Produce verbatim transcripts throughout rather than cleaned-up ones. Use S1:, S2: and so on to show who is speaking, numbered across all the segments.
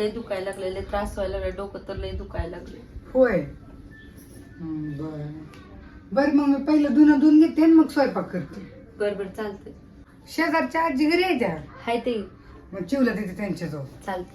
S1: लय दुखायला लागले, लय त्रास व्हायला लागले, डोकं तर लय दुखायला लागले.
S2: होय. बर बर मग मी पहिलं धुणं धुवून घेते आणि मग स्वयंपाक करते.
S1: बर बर चालतंय.
S2: शेजारच्या आजी घरी आहे त्या,
S1: हाय ते
S2: मग चिवला तिथे त्यांच्याजवळ.
S1: चालतंय.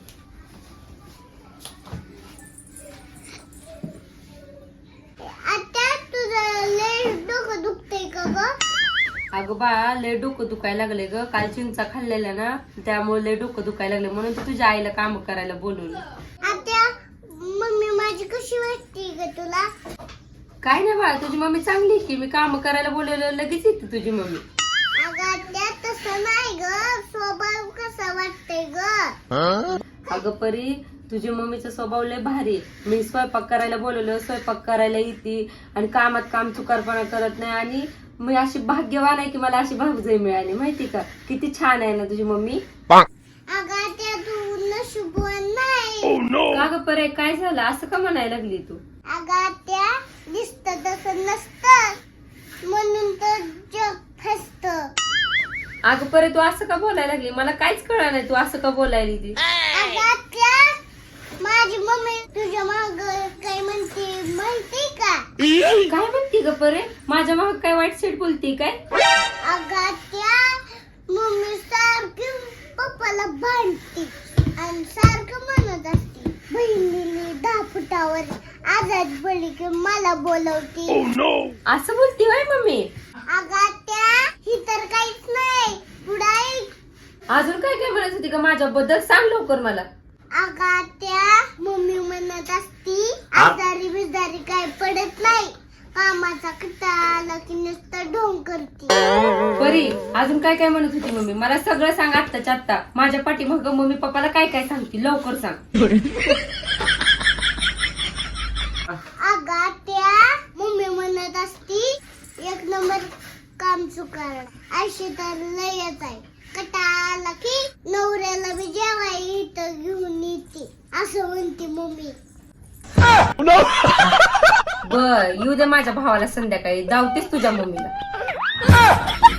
S1: अगं बा लय डोकं दुखायला लागले ग, काल चिंचा खाल्लेल्या ना त्यामुळे लय डोकं दुखायला लागले, म्हणून तर तुझ्या आईला काम करायला बोलवलं.
S3: आत्या मम्मी माझी कशी वाटते ग तुला?
S1: काय नाही बा, तुझी मम्मी चांगली आहे की, मी काम करायला बोलवलं लगेच येते तुझी मम्मी.
S3: अगं आत्या तसं नाही ग, स्वभाव कसा वाटतंय ग?
S1: अगं परी तुझी मम्मीचा स्वभाव लय भारी आहे. मी स्वयंपाक करायला बोलवलं, स्वयंपाक करायला येते आणि कामात काम चुकारपणा करत नाही, आणि मी अशी भाग्यवान आहे की मला अशी भावजय मिळाली, माहिती का? किती छान आहे ना तुझी मम्मी.
S3: अगं आत्या तू नशीबवान नाही.
S1: का ग परे, काय झालं असं का म्हणायला लागली तू?
S3: अगं आत्या दिसतं तसं नसतं, म्हणून तर जग फसतं.
S1: अगं परे तू असं का बोलायला लागली? मला काहीच कळलं नाही तू असं का बोलायली ती.
S3: अगं आत्या माझी मम्मी तुझ्या माग काय म्हणते माहिती का?
S1: काय म्हणती ग परे? माझ्या माग काय वाईट सीट बोलती काय?
S3: अगं आत्या मम्मी सारखी पप्पाला भांडते आणि सारखं म्हणत असते बहिणीने दहा फुटावर आजाद पडली की मला बोलवते.
S1: असं बोलती वय मम्मी?
S3: अगं आत्या ही तर काहीच नाही, पुढे
S1: अजून काय काय म्हणत होती का माझ्याबद्दल? सांग लवकर मला.
S3: अगं आत्या मम्मी म्हणत असती आजारी बिजारी काय पडत नाही, कामाचा कंटाळा आला की नुसतं ढोंग करते.
S1: परी अजून काय काय म्हणत होती मम्मी? मला सगळं सांग आत्ताच्या आत्ता. माझ्या पाठीमागं मम्मी पप्पाला काय काय सांगते लवकर सांग.
S3: अगं आत्या मम्मी म्हणत असती एक नंबर काम चुकार अशी तर लयच आहे, कंटाळा आला की नवऱ्याला बी जेवाय इथं घेऊन येते असं म्हणते मम्मी.
S1: बर येऊ दे माझ्या भावाला संध्याकाळी, धावतेच तुझ्या मम्मीला.